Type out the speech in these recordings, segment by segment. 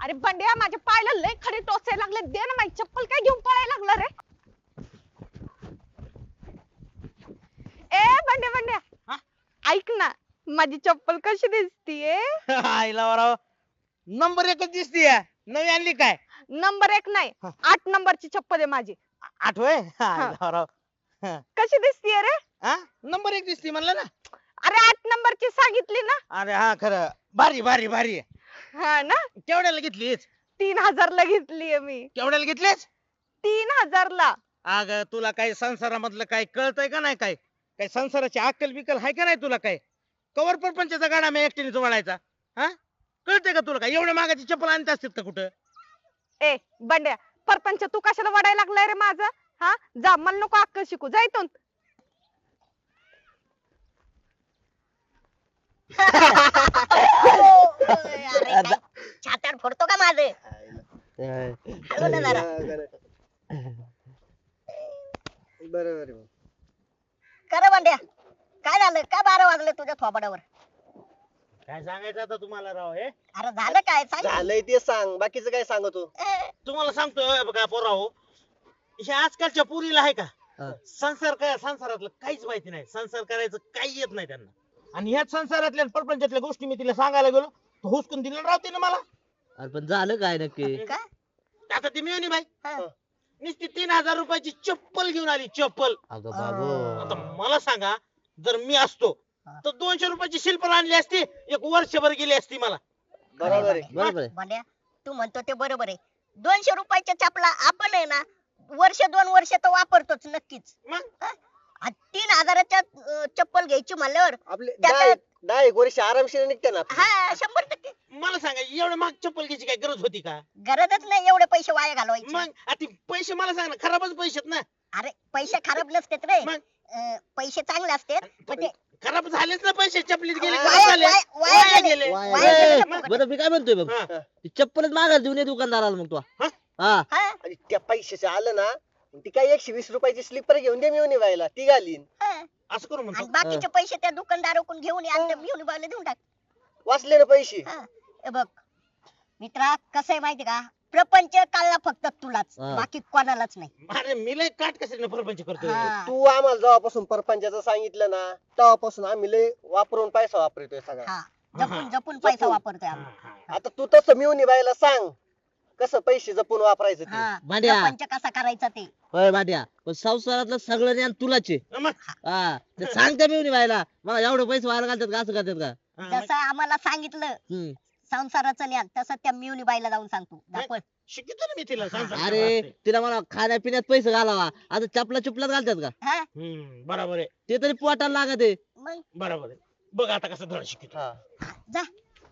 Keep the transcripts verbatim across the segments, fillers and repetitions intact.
अरे बंड्या माझ्या पायाला लय खडे टोचायला लागले, दे ना माझी चप्पल, काय घेऊन पळायला लागला रे? ए बंड्या बंड्या हा? ऐक ना, माझी चप्पल कशी दिसतीये? आईला वराव नंबर एकच दिसतीये. नवी आणली काय? नंबर एक नाही, हा. आठ नंबरची चप्पल आहे माझी. आठवय आईला वराव. कशी दिसतीये रे? हा नंबर एक दिसती म्हणलं ना. अरे आठ नंबरची सांगितली ना. अरे हा खरं भारी भारी भारी आहे. हा ना, केवढ्याला घेतलीस? तीन हजारला घेतलीये मी. केवढ्याला घेतलीस? तीन हजारला. अग तुला काही संसारामधलं काही कळतंय का नाही? काय काही संसाराची अक्कल बिकल आहे का नाही तुला? काय कवर परपंचाचा गाडा मी एकटीने जोडायचा? हा कळतंय का तुला? काय एवढ्या मागाची चप्पल आणत असतात का कुठं? ए बंड्या, परपंच तू कशाला वडायला लागलाय रे माझा? हा जा, मला नको अक्कल शिकू, जा इथून. छाताड फोडतो का माझे? हळू ना जरा. बरोबर खरं म्हणत्या, काय झालं? का बारा वाजले तुझ्या थोबाडावर? काय सांगायचं आता तुम्हाला राव? हे अरे झालं काय सांग. झालंय ते सांग, बाकीचं काय सांगतो? ए, तुम्हाला सांगतोय बघा पोराहो, हे आजकालच्या पुरीला आहे का संसार काय, संसारातलं काहीच माहिती नाही. संसार करायचं काही येत नाही त्यांना. आणि ह्याच संसारातल्या परपंचातल्या गोष्टी मी तिला सांगायला गेलो तर हुसकून दिलं राहते ना मला. अरे पण झालं काय नक्की? काय? आता ती मिळवणी बाई हा. नुसती तीन हजार रुपयाची चप्पल घेऊन आली. चप्पल. अगं आता बाबू, मला सांगा, जर मी असतो तर दोनशे रुपयाची शिल्पर आणली असती, एक वर्षभर गेली असती मला. बरोबर आहे. बरोबर आहे. भांड्या, तू म्हणतो ते बरोबर आहे. दोनशे रुपयाच्या चपला आपण आहे ना वर्ष दोन वर्ष तर वापरतोच नक्कीच. मग आणि तीन हजाराच्या अं, चप्पल घ्यायची म्हणल्यावर आपले त्यात- दहा एक- दहा एक वर्ष आरामशीर निघते ना आपली. हा शंभर टक्के मला सांगा, एवढ्या महाग चप्पल घ्यायची काय गरज होती का? गरजच नाही एवढे पैसे वाया घालवायचे. मग आता पैसे मला सांग ना, खराबच पैसे आहेत ना. अरे पैसे खराब नसतेत रे. मग अं, पैसे चांगले असतात पण ते खराब झालेच ना पैसे, चपलीत गेले वाया- खराब झाले. वाया- वाया वाया गेले. गेले. वाया वाया गेले. गेले मग- फुकट. बरं मी काय म्हणतोय बघ, हा. ती चप्पलच मागायला देऊन ये दुकानदाराला मग तू. हा? हा हा, आणि त्या पैशाचं आलं ना, ती काय एकशे वीस रुपयाची स्लीपर घेऊन दे मिळून व्हायला, ती घालीन. हा. असं करू आणि म्हणतो. बाकीचे पैसे त्या दुकानदाराकडून घेऊन ये आणि घेऊन बायला देऊन टाक. वाचले ना पैसे. हा. हे बघ मित्रा, कसं आहे माहिती का, प्रपंच काढला फक्त तुलाच, हा. बाकी कोणालाच नाही. अरे मी लय काट कशाने परपंच करतोय. हा. तू आम्हाला जेव्हापासून परपंचाचं सांगितलं ना, तेव्हापासून आम्ही लय वापरून पैसा वापरतोय सगळा. हा. जपून जपून पैसा जपून. वापरतोय हा, आम्ही. हा. आता तू तसं मिळून व्हायला सांग, कसं पैसे जपून वापरायचं ते. हा. भांड्या. प्रपंच कसा करायचा ते. होय भाट्या, पण संसारातलं सगळं ज्ञान तुलाच आहे. मग हा ते सांगते मी व्हायला, मला एवढे पैसे व्हायला घालतात का? असं करतात का? हा, मग जसं आम्हाला सांगितलं हम्म. संसाराचं ज्ञान, तसं त्या मिवनी बाईला जाऊन सांगतो. दाखव. शिकतो ना मी तिला संसार अरे करायला. तिला मला खाण्यापिण्यात पैसे घालावा, आता चपला चुपलात घालतात का? हा. हम्म, बरोबर आहे. ते तरी पोटाला लागत आहे. मग बरोबर आहे. बघ आता कसं धड शिकतो. हा. जा.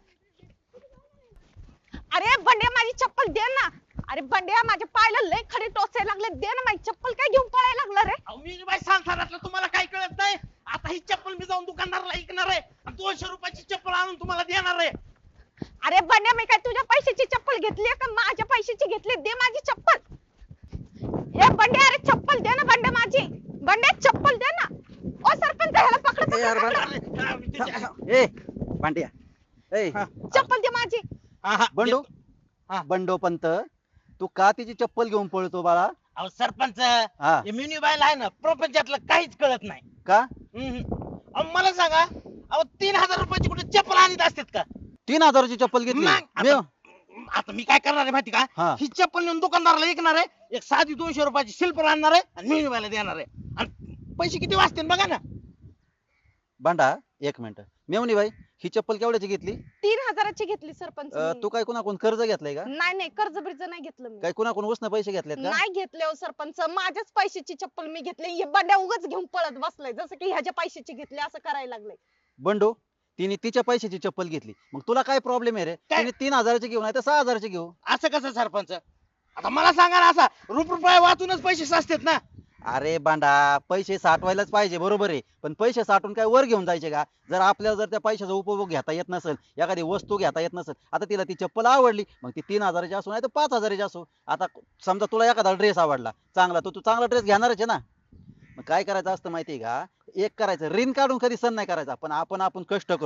अरे बंड्या माझी चप्पल दे ना. अरे बंड्या माझ्या पायाला लय खडे टोचायला लागले, दे ना माझी चप्पल, काय घेऊन पळायला लागला रे? अहो, मी बाई संसारातलं तुम्हाला काय कळत नाही? आता ही चप्पल मी जाऊन दुकानदाराला ऐकणार आहे आणि दोनशे रुपयाची चप्पल आणून तुम्हाला देणार आहे. अरे बंड्या, मी काय तुझ्या पैशाची चप्पल घेतली का माझ्या पैशाची घेतली? दे माझी चप्पल. ए बंड्या, अरे चप्पल दे ना बंड्या माझी. बंड्या चप्पल दे ना. ओ सरपंच, ह्याला पकड ए, यार, पकड. अरे, हा, मी तुझ्या- ए भांड्या, ए हा. चप्पल दे माझी. हा, हा, बंडू हा. बंडो पंत, तू का तिची चप्पल घेऊन पळतो बाळा? अहो सरपंच, हा हे मिनी बायला आहे ना प्रपंचातलं काहीच कळत नाही. का? हम्म. अहो, मला सांगा, अहो तीन हजार रुपयाची कुठे चप्पल आणत असतात का? तीन हजाराची चप्पल घेतली? मग मी- आता आता मी काय करणार आहे माहिती का? हा. ही चप्पल नेऊन दुकानदाराला विकणार आहे, एक साधी दोनशे रुपयाची शिल्पर आणणार आहे आणि मिनी बायला देणार आहे. आणि पैसे किती वाचतील बघा ना. भांडा एक मिनिट, मेवणी बाई ही चप्पल केवढ्याची घेतली? तीन हजाराची घेतली सरपंच अं, मी. तू काय कुणाकडून कर्ज घेतलंय का? नाही नाही, कर्ज बिर्ज नाही घेतलं मी. काय कुणाकडून उसने पैसे घेतलेत का? नाही घेतले हो सरपंच, माझ्याच पैशाची चप्पल मी घेतली. हे बंड्या उगाच घेऊन पळत बसलाय, जसं की ह्याच्या पैशाची घेतली असं करायला लागलंय. बंडू, तिने तिच्या पैशाची चप्पल घेतली, मग तुला काय प्रॉब्लेम आहे रे? काय? तिने तीन हजाराची घेऊन आहे तर सहा हजाराची घेऊ. असं कसं सरपंच? आता मला सांगा ना, असा रुप रुपये वाचूनच पैसे साचतात ना. अरे बांडा, पैसे साठवायलाच पाहिजे, बरोबर आहे, पण पैसे साठवून काय वर घेऊन जायचे का? जर आपल्याला जर त्या पैशाचा उपभोग घेता येत नसेल, एखादी वस्तू घेता येत नसेल, आता तिला ती चप्पल आवडली, मग ती तीन हजाराची असो नाही तर पाच हजाराची असो. आता समजा तुला एखादा ड्रेस आवडला चांगला, तर तू चांगला ड्रेस घेणारच आहे ना. मग काय करायचं असतं माहितीये का? एक करायचं, ऋण काढून कधी सण नाही करायचा, पण आपण आपण कष्ट करतो.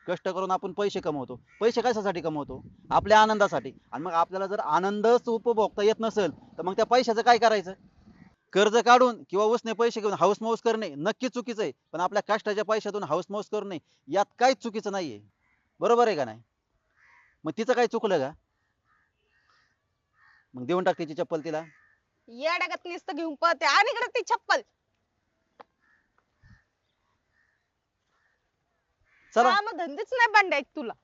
कष्ट करून आपण पैसे कमवतो. पैसे कशासाठी कमवतो? आपल्या आनंदासाठी. आणि मग आपल्याला जर आनंदच उपभोगता येत नसेल तर मग त्या पैशाचं काय करायचं? कर्ज काढून किंवा उसने पैसे घेऊन हाऊस मौस करणे नक्की चुकीचं आहे. पण आपल्या कष्टाच्या पैशातून हाऊस मौस करणे यात काहीच चुकीचं नाहीये. बरोबर आहे का नाही? मग तिचं काय चुकलं का? मग देऊन टाक तिची चप्पल तिला. येड्यागत नुसतं घेऊन पळते आणि इकडे ती चप्पल. चला काम धंदेच नाही बंड्या एक तुला.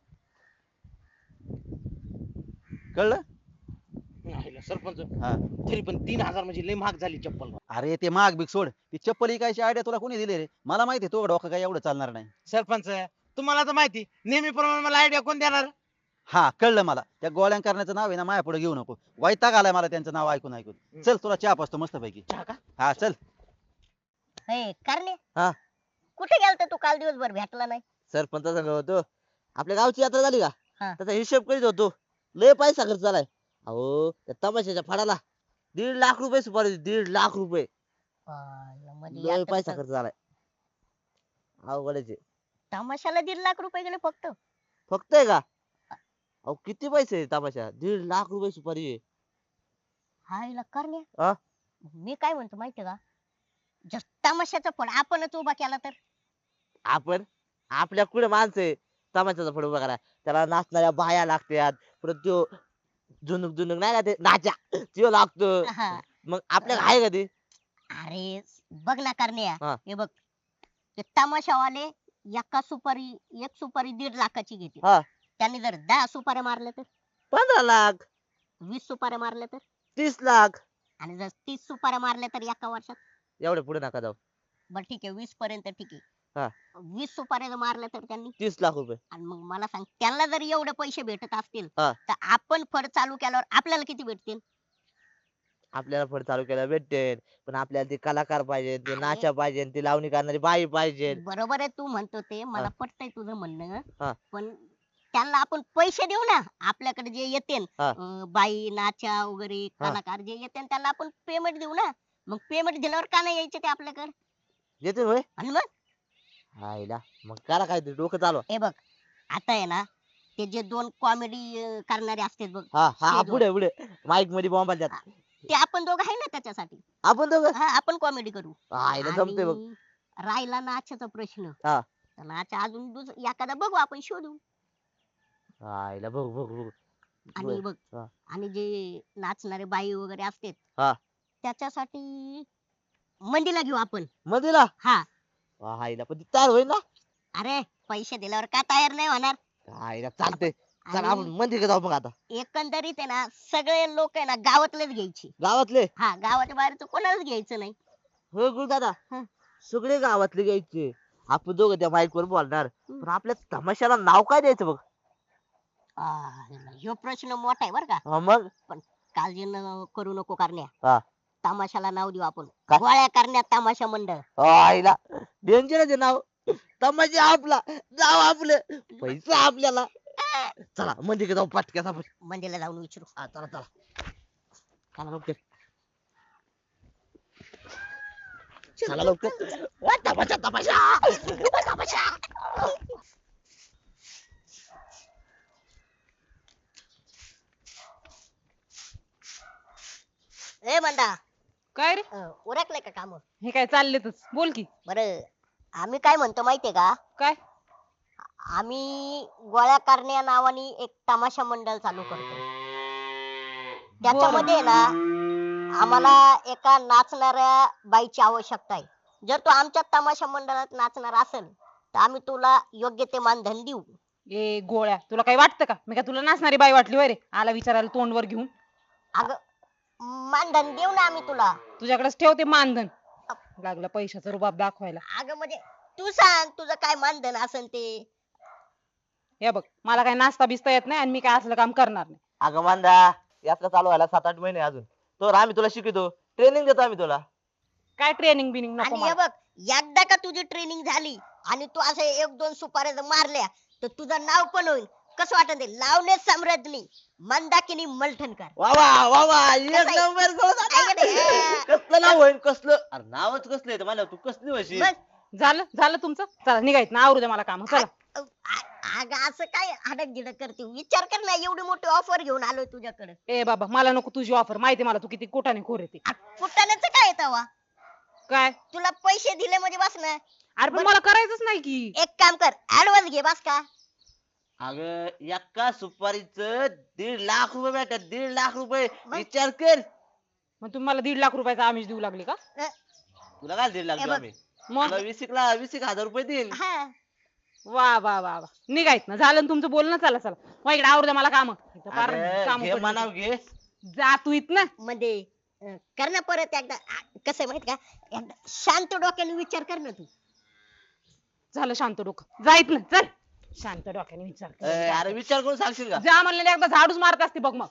कळलं? नाही सरपंच, हा. तरी पण तीन हजार म्हणजे लय महाग झाली चप्पल. अरे ते माग बिग सोड. ती चप्पल इकायची आयडिया तुला कोणी दिली रे? मला माहिती आहे तो डोकं काय एवढं चालणार नाही. सरपंच तुम्हाला तर माहिती, नेहमीप्रमाणे मला आयडिया कोण देणार? हा कळलं मला. त्या गोळ्या करण्याचं नाव आहे ना माझ्या पुढे घेऊ नको. वैताग आलाय मला त्यांचं नाव ऐकून ऐकून. चल तुला चहा पाचतो मस्त पैकी. चहा का? हा चल. हे करणे हा. कुठे गेलता तू काल दिवसभर भेटला नाही? सरपंच संग होतो. आपल्या गावची यात्रा झाली का? हा. त्याचा हिशोब करीत होतो. लय पैसा खर्च झालाय. अहो त्या तमाशाच्या फडाला दीड लाख रुपये सुपारी होती, दीड लाख रुपये. पाहिलं, म्हणजे लय यात्रेचं पैसा खर्च झालाय. अवघडच आहे. तमाशाला दीड लाख रुपये गेले फक्त. फक्त आहे का? अहो किती पैसे आहे तमाशा? दीड लाख रुपये सुपारी आहे. हायला करणे हा? मी काय म्हणतो माहितीये का, जर तमाशाचा फड आपणच उभा केला तर? आपण आपल्या कुठे माणसं आहे तमाशाचा फड उभा करा? त्याला नाचणाऱ्या बाया लागतात, परत त्यो झुनुक झुनुक नाही का ते नाचा त्यो लागतो. हा. मग आपल्याला आहे का ते? अरे बघ ना करण्या, हा. हे बघ ते तमाशावाले एका सुपारी एक सुपारी दीड लाखाची घेते. हा. त्यांनी जर दहा सुपाऱ्या मारल्या तर, पंधरा लाख, वीस सुपाऱ्या मारल्या तर, तीस लाख. आणि जर तीस सुपाऱ्या मारल्या तर एका वर्षात, एवढे पुढे नका जाऊ. बरं ठीक आहे वीस पर्यंत ठीक हा. आहे, वीस सुपाऱ्या जर मारल्या तर त्यांनी, तीस लाख रुपये. आणि मग मला सांग त्यांना जर एवढे पैसे भेटत असतील हा. तर आपण फड चालू केल्यावर आपल्याला किती भेटतील? आपल्याला फड चालू केला भेटेल, पण आपल्याला ते कलाकार पाहिजे, ते अरे. नाचा पाहिजे, ते लावणी करणारी बाई पाहिजे. बरोबर आहे तू म्हणतो ते मला हा. पटतंय तुझं म्हणणं, हा. पण त्यांना आपण पैसे देऊ ना. आपल्याकडे जे येते हा. बाई नाचा वगैरे हा. कलाकार जे येते त्यांना आपण पेमेंट देऊ ना. मग पेमेंट दिल्यावर का नाही यायचे ते आपल्याकडे? येते होय. आणि मग हायला मग करा काय ते डोकं चालवा. हे बघ आता आहे ना, ते जे दोन कॉमेडी करणारे असतात बघ, हा हा ते दोन. पुढे पुढे माईक मध्ये बॉम्ब आल्यात. ते आपण दोघं आहे ना त्याच्यासाठी. आपण दोघं हा, आपण कॉमेडी करू. हायला जमते बघ. आणि राहिला नाचाचा प्रश्न, हा. तर नाचा अजून दुस- एखादा बघू आपण शोधू. हायला बघ बघ बघ. आणि बर. बघ हा. आणि जे नाचणारे बाई वगैरे असतात हा. त्याच्यासाठी मंदीला घेऊ आपण. मधीला हा. हायला पण ती तयार होईल ना? अरे पैसे दिल्यावर का तयार नाही होणार? हायला चालते. चला आणि आपण मंदिर जाऊ मग आता. एकंदरीत आहे ना सगळे लोक आहे ना गावातलेच घ्यायची. गावातले हा, गावाच्या बाहेरचं कोणालाच घ्यायचं नाही. हो गुरुदादा, हा. सगळे गावातले घ्यायचे. आपण दोघं त्या माईक वर बोलणार, पण आपल्या तमाशाला नाव काय द्यायचं बघ? आ, ह्यो प्रश्न मोठा आहे बर का. हा मग काळजी न करू नको करण्या. हा. तमाशाला नाव देऊ आपण काय? गोळ्या करण्यात तमाशा मंडळ. आईला डेंजर आहे नाव. तमाशा आपला, नाव आपलं, पैसा आपल्याला. चला मंदिर जाऊ पटक्यात आपण. मंदीला जाऊन विचारू. हा, चला चला चला लवकर. चला लवकर. वा, तमाशा तमाशा तमाशा. ए मंदा, काय रे? उरकले का काम? हे काय चाललेतच, बोल की. बरं आम्ही काय म्हणतो माहितीये का, काय? आम्ही गोळ्या करण्या नावाने एक तमाशा मंडळ चालू करतो. त्याच्यामध्ये ना आम्हाला एका नाचणाऱ्या बाईची आवश्यकता आहे. जर तू आमच्या तमाशा मंडळात नाचणार असेल तर आम्ही तुला योग्य ते मानधन देऊ. ए गोळ्या, तुला काही वाटतं का? मी काय तुला नाचणारी बाई वाटली वय रे? आला विचारायला तोंडवर घेऊन. अगं मानधन देऊ ना आम्ही तुला. तुझ्याकडेच ठेवते मानधन. लागला पैशाचा रुबाब दाखवायला. अगं म्हणजे तू सांग तुझं काय मानधन असेल ते. हे बघ, मला काय नाचता बिस्ता येत नाही आणि मी काय असलं काम करणार नाही. अगं मांदा, यात्रा चालू व्हायला सात आठ महिने अजून. तर आम्ही तुला शिकवतो, ट्रेनिंग देतो आम्ही तुला. काय ट्रेनिंग बिनिंग नको आणि हे मला. बघ एकदा का तुझी ट्रेनिंग झाली आणि तू असे एक दोन सुपाऱ्या जर मारल्या तर तुझं नाव पण होईल. कसं वाटत ते लावणे सम्राज्ञी मंदाकिनी मलठणकर. वा वा वा वा, एक कसं आहे? नंबर आहे का नाही? कसलं नाव होईल कसलं? अरे नावच कसलं आहे मला, तू कसली म्हशी? बस, झालं झालं तुमचं. चला निघायचं ना, आवरू दे मला काम. चला. आ- अगं असं काय हडक गिडक करते विचार कर ना एवढी मोठी ऑफर घेऊन आलोय तुझ्याकडे ए बाबा मला नको तुझी ऑफर माहिती मला तू किती कोटाने खोर येते कुठाण्याच काय तवा काय तुला पैसे दिले म्हणजे बस ना अरे पण मला करायचंच नाही की एक काम कर ऍडव्हान्स घे बस का अगं एका सुपारीचं दीड लाख रुपये भेटतात दीड लाख रुपये मग? विचार कर. मग तुम्ही मला दीड लाख रुपयाचा आमिष देऊ लागले का तुला काय दीड लाख हे देऊ बघ. आम्ही मग तुला वीस एक ला वीस एक हजार रुपये देईल. हा वा वा वा वा निघायत ना झालं ना तुमचं बोलणं चला चला मग इकडे आवडतं मला काम अगं, घे म्हणाव घे. जा तू इथनं मध्ये अं, कर ना परत एकदा आ, कसं आहे माहित का एकदा शांत डोक्याने विचार कर ना तू झालं शांत डोकं जा इथनं चल शांत डोक्याने विचार कर. अं, अरे विचार करून सांगशील का जा म्हणलेलं एकदा झाडूच मारत असते बघ मग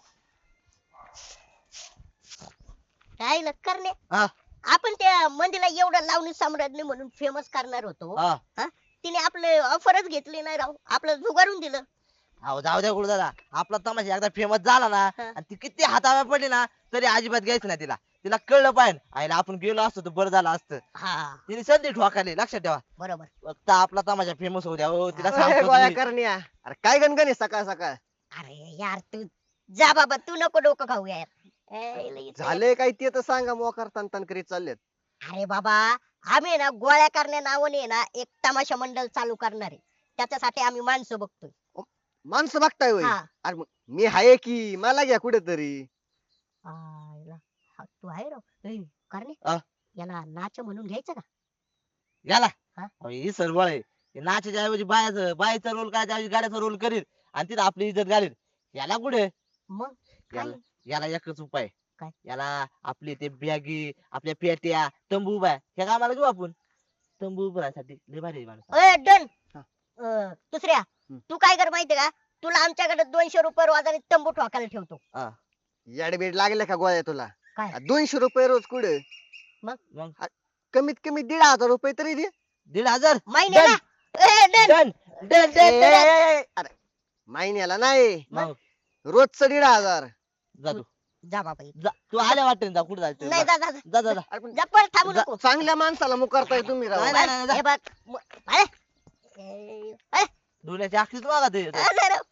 काय ना करणे हा आपण त्या मंदीला एवढं लावणी सम्राज्ञी म्हणून फेमस करणार होतो हा हा? तिने आपले ऑफरच घेतली नाही राव आपलं जुगारून दिलं अहो जाऊ द्या गुरुदादा आपला तमाशा एकदा फेमस झाला ना हा. आणि ती किती हाताव्या पडली ना तरी अजिबात घ्यायचं नाही तिला तिला कळलं पाहिजे आईला आपण गेलो असतो तर बरं झालं असतं हा तिने संधी ठोकाली लक्षात ठेवा बरोबर फक्त आपला तमाशा फेमस होऊ द्या हो तिला अरे सांगतो गोळ्या मी. करण्या अरे काय गणगण आहे सकाळ सकाळ अरे यार तू जा बाबा तू नको डोकं खाऊ यार ए, लई- झाले काय ते तर सांगा मोकार तन तन करीत चाललेत अरे बाबा आम्ही ना गोळ्या करण्या नावाने ना एक तमाशा मंडळ चालू करणार आहे त्याच्यासाठी आम्ही माणसं बघतोय माणसं बघताय होय हा अरे मग मी आहे की मला घ्या कुठेतरी आयला, हा, तू आहे राव ए, करणे हा? याला नाच म्हणून घ्यायचं का याला हा? अहो, ही सरबळ आहे हे नाचाच्या ऐवजी बायाचं बाईचा रोल करायच्या ऐवजी गाड्याचा रोल करील आणि तिथं आपली इज्जत घालील याला कुठे मग काय याला याला एकच उपाय काय? याला आपली ते बॅगी आपल्या पेट्या तंबू उभा आहे ह्या कामाला घेऊ आपण तंबू उभं राहण्यासाठी लय भारी आहे माणूस ए डन हा. अं, दुसऱ्या तू काय कर माहितीये का तुला आमच्याकडे दोनशे रुपये रोजाने तंबू ठोकायला ठेवतो हा. याडबीड लागले का गोळ्या तुला काय? आ, दोनशे रुपये रोज कुठे मग कमीत कमी दीड हजार रुपये तरी दे दीड हजार महिन्याला ए डन डन डन ए, डन ए, ए, ए, अरे महिन्याला नाही मग रोजचं दीड हजार जा तू जा बाबा जा तू आल्या वाटेन जा कुठे जायचं नाही जा जा जा जा. जा जा जा. अरे पण जा पण थांबू जा. नको चांगल्या माणसाला मुकारताय तुम्ही राव नाही, नाही, नाही, हे बघ म- अरे ए, ए, धुण्याच्या आखीच बघा ते अरे राव.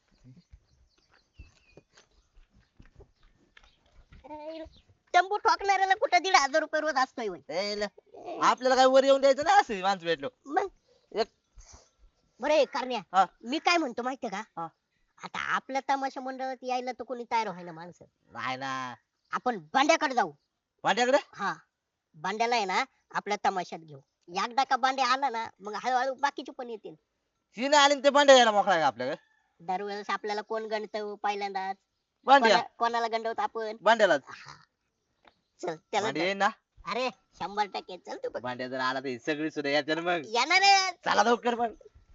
ए, तंबू ठोकणाऱ्याला कुठं दीड हजार रुपये रोज असतोय होय. ए, ल- आपल्याला काय वर येऊन द्यायचं नाही असं माणसं भेटलो मग एक बरे करण्या हा. मी काय म्हणतो माहितीये का हा. आता आपल्या तमाशा मंडळात यायला तर कोणी तयार व्हायला माणसं नाही ना आपण बांड्याकडे जाऊ माझ्याकडे हा बांड्याला आहे ना आपल्या तमाशात घेऊ एकदा का बांड्या आला ना मग हळूहळू बाकीचे पण येतील ही नाही आली न ते भांडे यायला मोकळा आहे का आपल्याकडे दरवेळेस आपल्याला कोण गणत पहिल्यांदाच भांड्या कोणा- कोणाला गंडवत आपण भांड्याला हा. चल त्याला भांडे येईन ना अरे शंभर टक्के चल तू बघ भांड्या जर आला तर ही सगळी सुद्धा येते ना मग येणार आहे. चला लवकर मग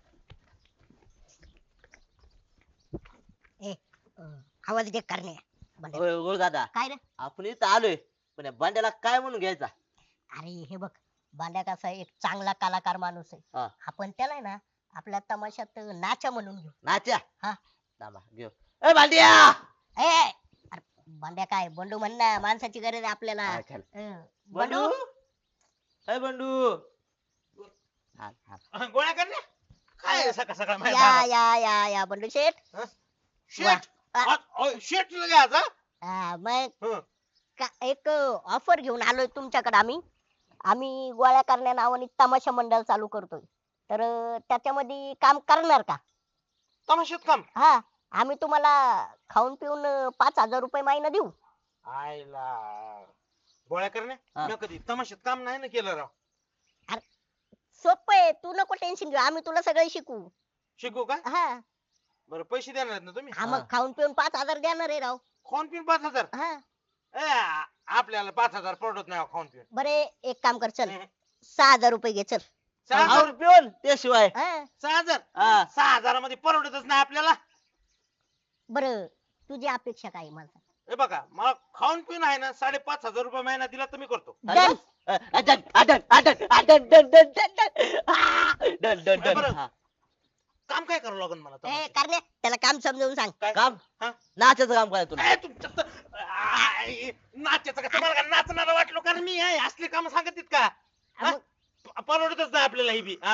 ए अं, आवाज दे करणे बांड्या. होय गोळ दादा काय रे आपण इथं आलोय पण या भांड्याला काय म्हणून घ्यायचा अरे हे बघ बांड्या कसा आहे, एक चांगला कलाकार माणूस आहे हा. आपण त्याला आहे ना आपल्या तमाशात नाचा म्हणून घेऊ नाच्या हा. थांबा घेऊ ए भांड्या ए अरे बांड्या काय बंडू म्हण ना माणसाची गरज आहे आपल्याला हा, चल. हं. बंडू बंडू ए बंडू हा, हा. गोळ्या करण्या काय सकाळ सकाळ माझ्या या दारात? या या या बंडू शेठ शेट वा. आ, अ, शेट घ्यायचा हा, मग हं. का- एक ऑफर घेऊन आलोय तुमच्याकडे आम्ही आम्ही गोळ्या करण्या नावाने तमाशा मंडळ चालू करतोय तर अं, त्याच्यामध्ये काम करणार का तमाशात काम हा आम्ही तुम्हाला खाऊन पिऊन अं, पाच हजार रुपये महिना देऊ आयला गोळ्या करण्या हा. मी कधी तमाशात काम नाही ना केलं राव सोपं आहे तू नको टेन्शन घेऊ आम्ही तुला सगळं शिकू शिकू का हा बरं पैसे देणार आहेत ना तुम्ही हा मग खाऊन पिऊन पाच हजार देणार आहे राव खाऊन पिऊन पाच हजार हा ए, आ- आपल्याला पाच हजार पडत नाही हो खाऊन पिऊन बरे एक काम कर चल हं. सहा हजार रुपये घे चल सहा हजार खाऊन पिऊन त्याशिवाय हा सहा हजार हा. सहा हजारामध्ये परवडतच नाही आपल्याला बर तुझी अपेक्षा काय आहे मला सांग. हे बघा मला खाऊन पिऊन आहे ना साडेपाच हजार रुपये महिना दिला तर मी करतो Done. Done done done done done done done done done बरं. हा. काम काय करावं लागेल मला ए तमाशात? करणे त्याला काम समजावून सांग काय? काम हा? नाचाचं काम काय तुला ए, तुमच्यात तर- आय, नाचायचं का तुम्हाला का नाचणारा वाटलो कारण मी आहे असले काम सांगत का हा? मग प- परवडतच नाही आपल्याला ही बी हा.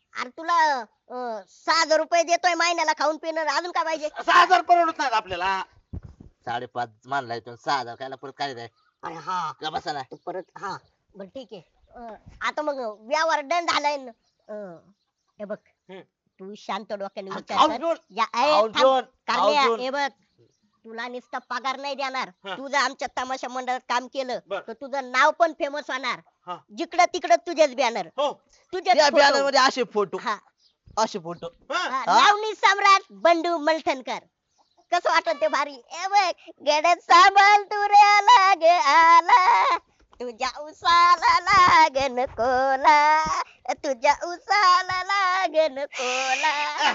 अरे तुला अं, सहा हजार रुपये देतोय महिन्याला खाऊन पिणं अजून काय पाहिजे? सहा हजार परवडत नाहीत आपल्याला. साडेपाच मानलाय तो सहा हजार कायला परत काय द्याय अरे हा का बसा ना तू परत हा बर ठीक आहे. अं, आता मग व्यवहार डन झालाय न. अं, हे बघ हम्म. तू शांत डोक्याने विचार खाऊन कर. पिऊन या ए, खाऊन थांब. पिऊन कारण्या, खाऊन हे बघ तुला नुसता पगार नाही देणार. हा. तू जर आमच्या तमाशा मंडळात काम केलं बर. तर तुझं नाव पण फेमस होणार. हा. जिकडं तिकडं तुझेच बॅनर हो. तुझेच त्या photo. बॅनर मध्ये असे फोटो हा असे फोटो हा. हा, हा? लावणी सम्राट बंडू मलठणकर. कसं वाटत ते भारी? ए बघ गडद सांभाळ तू रे लाग आला तुझ्या उसाला लागन कोला तुझ्या उसाला लागन कोला.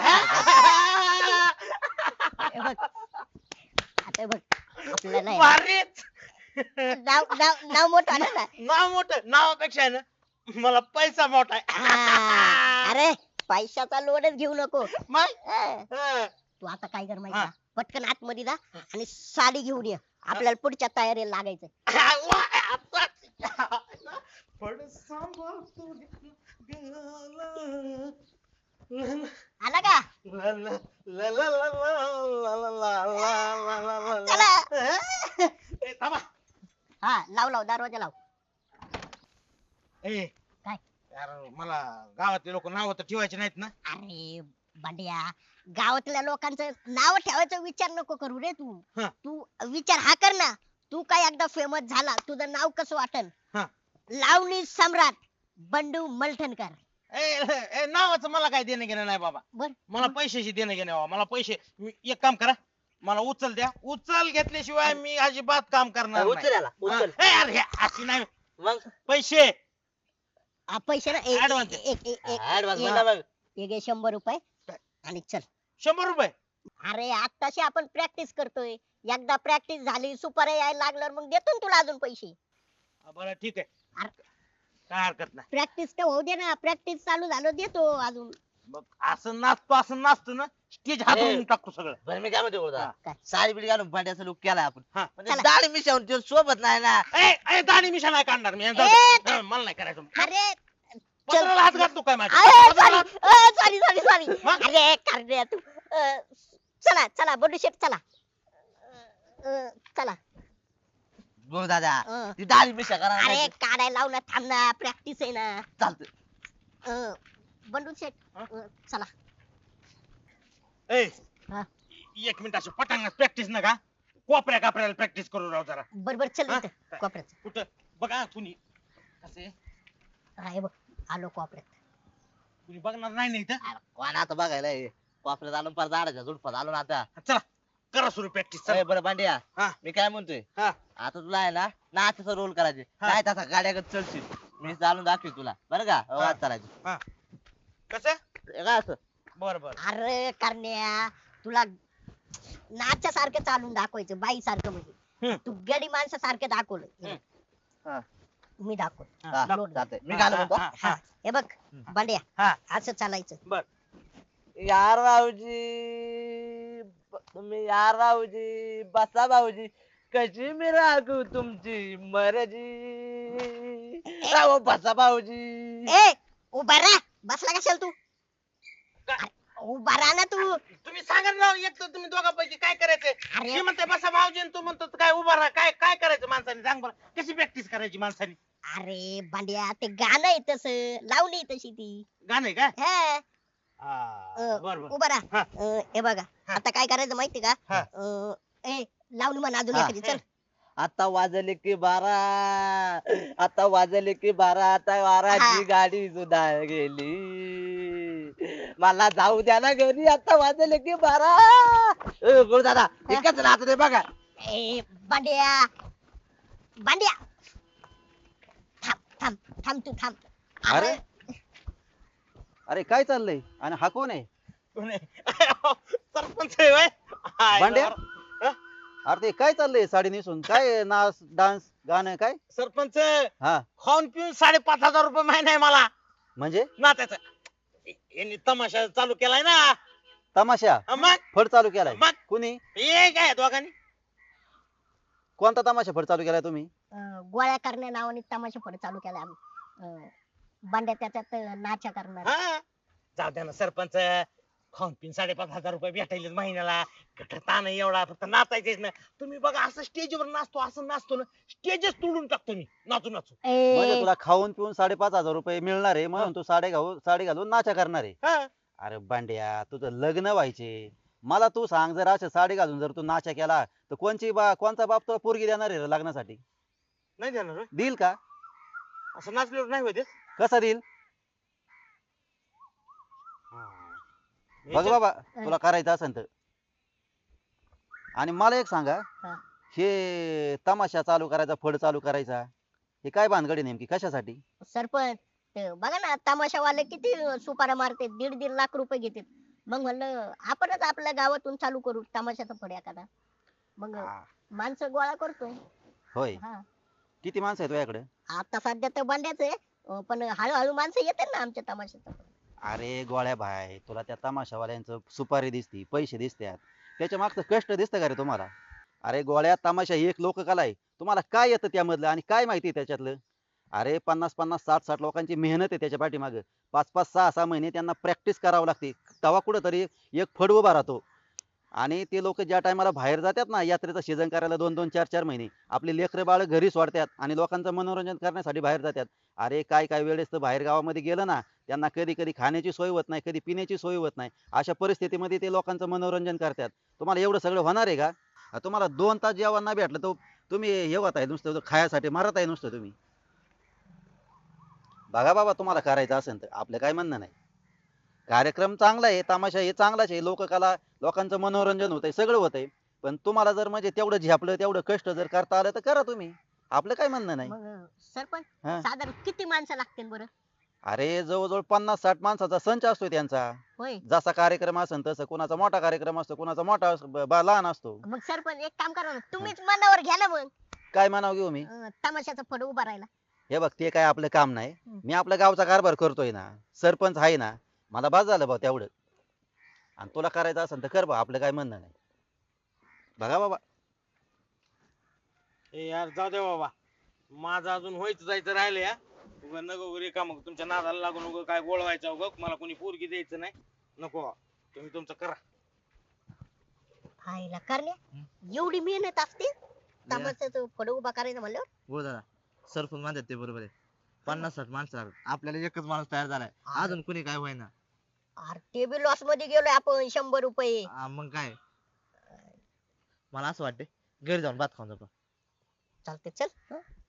हे बघ आता बघ आपल्याला आहे भारीच. ना, नाव नाव नाव मोठं आलं ना. नाव मोठं नावापेक्षा आहे ना मला पैसा मोठा आहे. हा, अरे पैशाचा लोडच घेऊ नको. मग हा. हा. तू आता काय कर माहिती हा. का? पटकन आतमध्ये जा आणि साडी घेऊन ये. आपल्याला पुढच्या तयारीला लागायचं. वा, आता. पण सांभाळ तू गेला. आला का? ला, ला, ला, ला, ला, ला, ला, ला, ला, ला, ला, ला. चला. ए, थांबा. हा लाव लाव दरवाजा लाव. ए, काय? यार मला गावातले लोक नाव तर ठेवायचे नाहीत ना. अरे बंड्या गावातल्या लोकांचं नाव ठेवायचा विचार नको करू रे तू. हा. तू विचार हा कर ना. तू काय एकदा फेमस झाला तुझं नाव कसं वाटन? हा. लावणी सम्राट बंडू मलठणकर. ए, ए, नावाचं मला काय देणं घेणं नाही बाबा. बर मला पैशाची देणं घेणं बाबा. मला पैसे मी- एक काम करा मला उचल द्या. उचल घेतल्याशिवाय मी अजिबात काम करणार नाही. उचल याला उचल हा. ए, अरे, अशी नाही मग पैसे. हा, पैसे ना एक Advance. एक- एक- एक- ऍडव्हान्स एक- म्हणा मग एक घे शंभर रुपये आणि चल. शंभर रुपये. अरे आताशी आपण प्रॅक्टिस करतोय. एकदा प्रॅक्टिस झाली सुपर यायला लागल्यावर मग देतो ना तुला अजून पैसे. हा, बरं ठीक आहे. अरे. काय हरकत नाही. प्रॅक्टिस तर होऊ दे ना. प्रॅक्टिस चालू झालं देतो अजून. मग असं नाचतो असं नाचतो ना स्टेज हातून ए. टाकतो सगळं. बरं मी काय म्हणते हा. बोलता काय? साडी बिडी घालून भांड्याचा लुक केलाय आपण हा. म्हणजे चला. दाढी मिशावून ते सोबत नाही ना. ए, ए, दाढी मिशा नाही काढणार मी. ए, हा, मला नाही करायचं. अरे पत्राला हात घालतो काय माझ्या? सॉरी पत्राला सॉरी सॉरी सॉरी. मग? अरे कार्य तू अं, चला चला बंडू शेट चला. अं, चला. बोल दादा अं. ती दाढी मिशा करा अरे काढायला लाव ना. थांब ना प्रॅक्टिस आहे ना. चालतं अं, बंडू शेट हा? अं, चला. ए, हा. एक मिनिट अशी पटांगणात प्रॅक्टिस नका. कोपऱ्या कापऱ्याला प्रॅक्टिस करू राव जरा. बर बर चल हा? इथं कोपऱ्यात. कुठं बघा कुणी असे हा हे बघ आलो कोपऱ्यात. कुणी बघणार नाही ना इथं. अरे, कोण आता बघायला हे? कोपऱ्यात आलो पार झाडाच्या झुडपात आलो ना आता चला करा सुरू प्रॅक्टिस. ए, बरं भांड्या हा. मी काय म्हणतोय हा. आता तुला आहे ना नाचाचा रोल करायचे हा. काय तसा गाड्यागत चढशील मी चालून दाखवी तुला बरं का हा. वाद करायचं कसं हे काय असं बर बर. अरे करण्या तुला नाच्या सारखं चालून दाखवायचं बाई सारखं म्हणजे. हम्म. तू गडी माणसासारखं दाखवलं. हे हम्म. बघ. हा. मी दाखव. हा, लोट. चालतंय. मी हा, काय हा, म्हणतो हा, हा. हे बघ बांड्या हा. असं चालायचं. बर. यार भाऊजी ब- तुम्ही यार भाऊजी बसा भाऊजी कशी मी राखू तुमची मर्जी राव बसा भाऊजी ए उभा राहा. बसला कशाला तू? काय? उभा राहा ना तू. तुम्ही सांगा ना राव, एक तर तुम्ही दोघांपैकी काय करायचंय? अरे मी म्हणते बसा भाऊजी आणि तू म्हणतो काय उभा राहा. काय काय करायचं माणसाने सांग बरं. कशी प्रॅक्टिस करायची माणसाने? अरे बांड्या ते गाणं आहे तसं लावणी आहे तशी ती. गाणं आहे काय? हा. हा, अं, बर बर. उभा राहा. हा. अं, हे बघा हा. आता काय करायचं माहिती का? हा. अं, ए लावणी म्हण अजून हा. एखादी चल. आता वाजले की बारा आता वाजले की बारा आता वाराची हा. गाडी सुद्धा गेली मला जाऊ द्या ना घरी आता वाजले की बारा गुरु दादा एकच राहत ते बघा ए बांड्या बांड्या थांब थांब थांब तू थांब. अरे अरे काय चाललंय आणि हा कोण आहे? कोण आहे? सरपंच आहे होय? हाय, भांड्या? बरं. अरे ते काय चाललंय साडी नेसून काय नाच डान्स गाणं काय? सरपंच हा खाऊन पिऊन साडेपाच हजार रुपये महिना आहे मला म्हणजे नात्याचा. यांनी तमाशा चालू केलाय ना. तमाशा हा, मग फड चालू केलाय मग कुणी? हे काय दोघांनी कोणता तमाशा फड चालू केलाय तुम्ही? अं, गोळ्या करण्या नावाने तमाशा फड चालू केला आम्ही. अं, बांड्या त्याच्यात अं, नाचा करणार. हा जाऊ द्या ना सरपंच, खाऊन पिऊन साडेपाच हजार रुपये भेटायले महिन्याला, कुठं ताण आहे एवढा, फक्त नाचायचंच ना. तुम्ही बघा असं स्टेजवर नाचतो, असं नाचतो ना, स्टेजच तोडून टाकतो मी नाचू नाचू. म्हणजे ए, तुला खाऊन पिऊन साडेपाच हजार रुपये मिळणार आहे म्हणून तू साडे घालून साडी घालून नाचा करणार आहे. हा. अरे बांड्या, तुझं लग्न व्हायचे, मला तू सांग, जर असं साडी घालून जर तू नाचा केला तर कोणची बा कोणचा बाप तुला पोरगी देणार आहे रे लग्नासाठी? नाही देणार होय? देईल का? असं नाचल्यावर नाही होते. कसा देईल? बघ बाबा, तुला करायचं असेल तर. आणि मला एक सांगा, हा. हे तमाशा चालू करायचा, फड चालू करायचा, हे काय भानगडी नेमकी, कशासाठी? सरपंच ते बघा ना तमाशावाले किती सुपाऱ्या मारते, दीड दीड लाख रुपये घेते. मग म्हणलं आपणच आपल्या गावातून चालू करू तमाशाचा फड एखादा. मग हा. माणसं गोळा करतोय. होय. हा. किती माणसं आहेत तुझ्याकडे? आता सध्या तर बंड्याच आहे, अं, पण हळूहळू माणसं येतात ना आमच्या तमाशात. अरे गोळ्या भाई, तुला त्या तमाशावाल्यांचं सुपारी दिसती, पैसे दिसतात, त्याच्या मागचं कष्ट दिसतं का रे तुम्हाला? अरे गोळ्या, तमाशा ही एक लोककला आहे. तुम्हाला काय येतं त्यामधलं आणि काय माहिती आहे त्याच्यातलं? अरे पन्नास पन्नास साठ साठ लोकांची मेहनत आहे त्याच्या पाठीमागं. पाच पाच सहा सहा महिने त्यांना प्रॅक्टिस करावं लागते, तेव्हा कुठंतरी एक फड उभा राहतो. आणि ते लोक ज्या टायमाला बाहेर जातात ना यात्रेचं सीझन करायला, दोन दोन चार चार महिने आपली लेकरं बाळ घरी सोडतात आणि लोकांचं मनोरंजन करण्यासाठी बाहेर जातात. अरे काय काय वेळेस तर बाहेर गावामध्ये गेलं ना, त्यांना कधी कधी खाण्याची सोय होत नाही, कधी पिण्याची सोय होत नाही. अशा परिस्थितीमध्ये ते लोकांचं मनोरंजन करतात. तुम्हाला एवढं सगळं होणार आहे का? अ, तुम्हाला दोन तास जेवण नाही भेटलं तर तुम्ही हे होत आहे नुसतं खायासाठी मारत आहे नुसतं तुम्ही. बघा बाबा, तुम्हाला करायचं असेल तर आपलं काय म्हणणं नाही. कार्यक्रम चांगला आहे, तमाशा हे चांगलाच आहे, लोककला, लोकांचं मनोरंजन होतंय, सगळं होतंय. पण तुम्हाला जर म्हणजे तेवढं झेपलं, तेवढं कष्ट जर करता आलं तर करा तुम्ही, आपलं काय म्हणणं नाही. मग सरपंच हा. साधारण किती माणसं लागतील बरं? अरे जवळजवळ पन्नास साठ माणसाचा संच असतो त्यांचा. होय. जसा कार्यक्रम असेल तसं, कुणाचा मोठा कार्यक्रम असतो, कुणाचा मोठा अस- ब- बा- लहान असतो. मग सरपंच एक काम करा ना, तुम्हीच मनावर घ्या ना मग काय म्हणावं घेऊ मी? अं, तमाशाचा फड उभा राहिला. हे बघ, ते काय आपलं काम नाही. हम्म. मी आपल्या गावचा कारभार करतोय ना, सरपंच आहे ना, मला बस झालं बा तेवढं. आणि तुला करायचं असेल तर कर बा, आपलं काय म्हणणं नाही. बघा बाबा. ए यार जाऊ दे बाबा, माझं अजून व्हायचं जायचं राहिलं या. उगा नको उगा रिकामं तुमच्या नादाला लागून उगा काय गोळवायचं उगा मला कोणी पोरगी द्यायचं नाही. नको, तुम्ही तुमचं करा. हायला करण्या एवढी मेहनत असते तमाशाचं फड उभा करायचं म्हणल्यावर. हो दादा, सरपंच म्हणतात ते बरोबर आहे. पन्नास साठ माणसं लागतात, आपल्याला एकच माणूस तयार झालाय, अजून कुणी काय होईना. अरे ते बी लॉस मध्ये गेलोय आपण शंभर रुपये. आ, मग काय, मला असं वाटतंय घरी जाऊन भात खाऊन जातो. चालते चल. हं?